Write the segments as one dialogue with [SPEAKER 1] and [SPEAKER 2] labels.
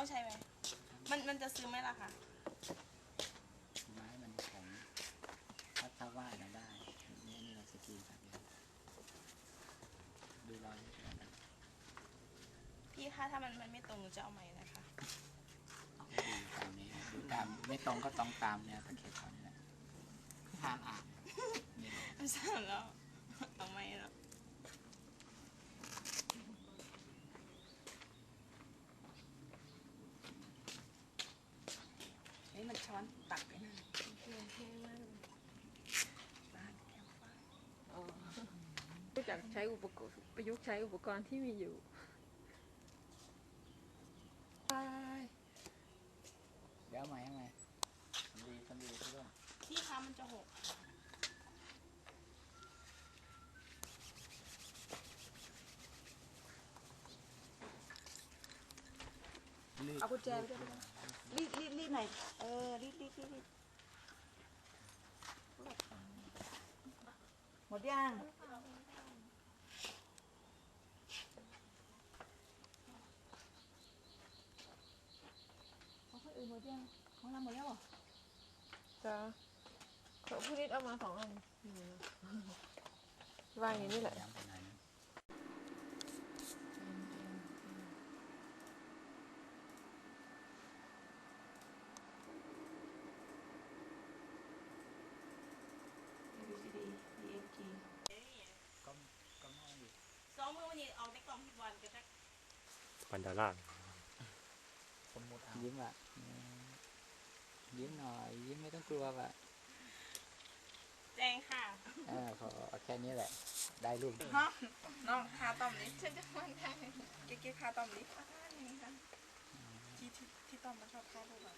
[SPEAKER 1] ต้องใช้ไหมมันจะซื้อไหมล่ะคะ
[SPEAKER 2] ไม้มันของถ้าว่าเราได้นี่เราสกีแบบนี้ดูรอยกัน
[SPEAKER 1] พี่คะถ้ามันไม่ตรงหนูจะเอาใหม่นะคะ
[SPEAKER 2] ดูตามนี้ดูตามไม่ตรงก็ต้องตามเนี่ยตะเข็บเขาเนี่ยทางอ่าน
[SPEAKER 1] ไม่ใช่แล้วเอาใหม่แล้วมันช้อนตักไปนะ
[SPEAKER 3] รู้จักใช้อุปกรณ์ประยุกต์ใช้อุปกรณ์ที่มีอยู่
[SPEAKER 2] เดี๋ยวใหม่ยังไงคนดีทุกคน
[SPEAKER 1] พี่คะมันจะหกเอากุญแจไปด้วยรีดหน่อยรีดหมดยังของคนอื่นหมดยังของเราหมดแล้วเหรอ
[SPEAKER 3] จ้าเขาพูดนิดเอามา2 อันวางอย่างนี้แหละ
[SPEAKER 1] ซ้อมมือวันนี้เอาในกล่องที่วันก็ได้
[SPEAKER 4] ปันดาล่า
[SPEAKER 2] สมมติยิ้มอ่ะยิ้มหน่อยยิ้มไม่ต้องกลัวว่ะ
[SPEAKER 1] แจงค่ะ
[SPEAKER 2] พอแค่นี้แหละได้รูป
[SPEAKER 1] ฮะน้องคาต้อมนี้ฉันจะมันได้เก๊คาต้อมนี้อย่างนี้ค่ะที่ต้อมมันชอบทารูปแบบ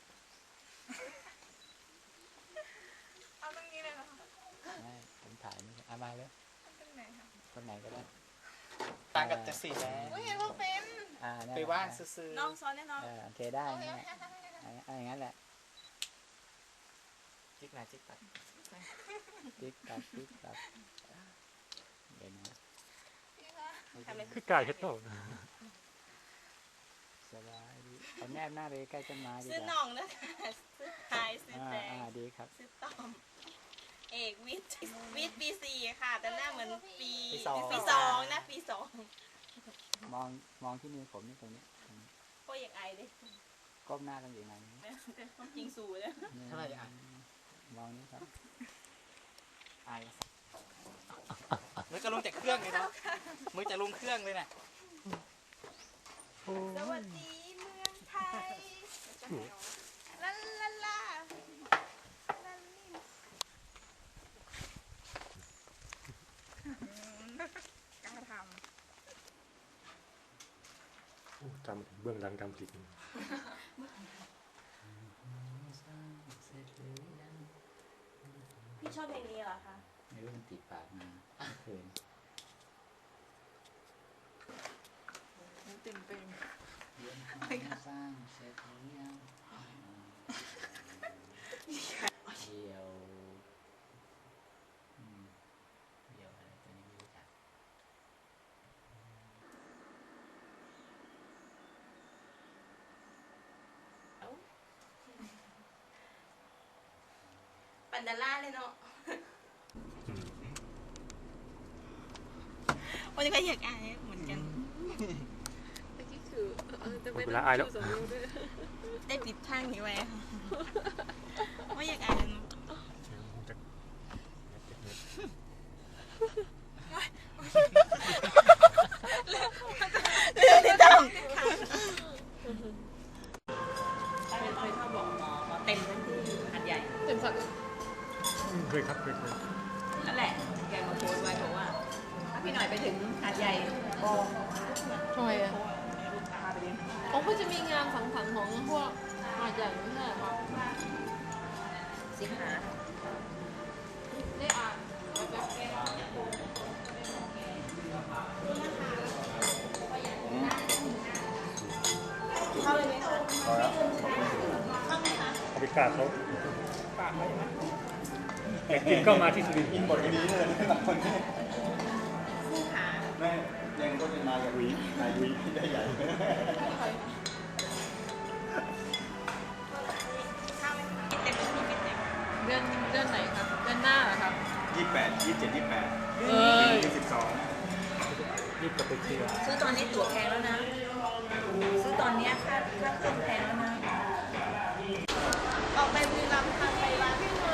[SPEAKER 1] เอาตรงนี้เลยเหรอ
[SPEAKER 2] ไม่ผมถ่ายนี่มาเลย
[SPEAKER 1] ตรงไหนคะ
[SPEAKER 2] คนไหนก็ได้
[SPEAKER 5] ต่างกับจากสีแล้ว
[SPEAKER 1] เห็นว่าเป็น
[SPEAKER 5] ไปว่างซื้อ
[SPEAKER 1] น้องซ้อนแน่นอน
[SPEAKER 2] โอเคได้อย่างนั้นแหละ
[SPEAKER 5] จิ๊กหน้าจิ๊กตัด
[SPEAKER 2] ติ๊กตัดเดี๋ยวนะ
[SPEAKER 4] คือกายเฮ็ดโต
[SPEAKER 2] สบายดีเอาแนบหน้าเลยใกล้ต้นไม้ดี
[SPEAKER 1] ซื้อหน่องนะคะซื้อไทยซื้อแจง
[SPEAKER 2] ดีครับ
[SPEAKER 1] ซื้อต้อมเอกวิทย์ปี 4ค่ะแต่หน้าเหมือนปี2นะปี 2
[SPEAKER 2] มองที่มือผมนี่ตรงนี้
[SPEAKER 1] ก็อยากไอดิ
[SPEAKER 2] ก้มหน้าต้องอย่างไร
[SPEAKER 1] แต่ต้องยิงสูเลย
[SPEAKER 5] เท่าไหร่อ่ะ
[SPEAKER 2] มองนี่ครับ
[SPEAKER 5] ไอมือจะลงจากเครื่องเลยนะมือจะลงเครื่องเลยนะ
[SPEAKER 1] สวัสดีเมืองไทยลาลาลา
[SPEAKER 4] จำเบื้องหลังการผลิต
[SPEAKER 1] พี่ชอบเพลงนี้เหรอคะ
[SPEAKER 2] ไม่รู้มันติดปากมาเพลง
[SPEAKER 3] ตื่นเต้น
[SPEAKER 2] สร้างเสร็จหรือยังเดียวอะไรตัวนี้ไม่รู้จัก
[SPEAKER 1] ปันดาล่าเลยเนาะวันนี้ก็อยากอายเหมือนกัน
[SPEAKER 3] เมื่อกี้คือจะไม่
[SPEAKER 4] ได้อายแล้ว
[SPEAKER 1] ได้ปิดทางนี้ไว้ไม่อยากอายเลยเนาะเรื่องที่ต้องเคยชอบบอกหมอเต็มพื้นที่หัดใหญ่
[SPEAKER 3] เต็มสัก
[SPEAKER 4] เคย
[SPEAKER 1] นั่นแหละแกมาโพสไว้บอกว่าถ้าพี่หน่อยไปถึงหาดใหญ่ก็
[SPEAKER 3] ทำไมอ่ะเขาจะมีงานสังสรรค์ของพวกหาดใหญ่ไม่ใช่หรอ
[SPEAKER 1] สิงหา
[SPEAKER 3] ได้อ่าน
[SPEAKER 1] เข้าเลยไหมคะเข้าไหมคะ
[SPEAKER 4] เอาไปกาดเขาอยากกินก็มาที่สุรินทร์
[SPEAKER 5] อินบทนี้เลยหลังคนนี้
[SPEAKER 1] คู่ขา
[SPEAKER 5] แม่ยังก็จะมากับวีนายวีได้ใหญ่
[SPEAKER 6] 28 27 28
[SPEAKER 3] เอ้ย
[SPEAKER 6] 22
[SPEAKER 4] รีบกลับไปเคลียร์
[SPEAKER 7] ซื้อตอนนี้ตั๋วแพงแล้วนะ ซื้อตอนเนี้ยค่าเครื่องแพงแล้วนะ
[SPEAKER 1] ออกไปบุรีรัมย์ทางไปร้านพี่หน่อย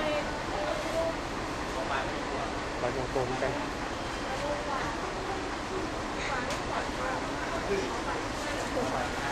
[SPEAKER 4] บ่ายโมงตรงกัน
[SPEAKER 1] เ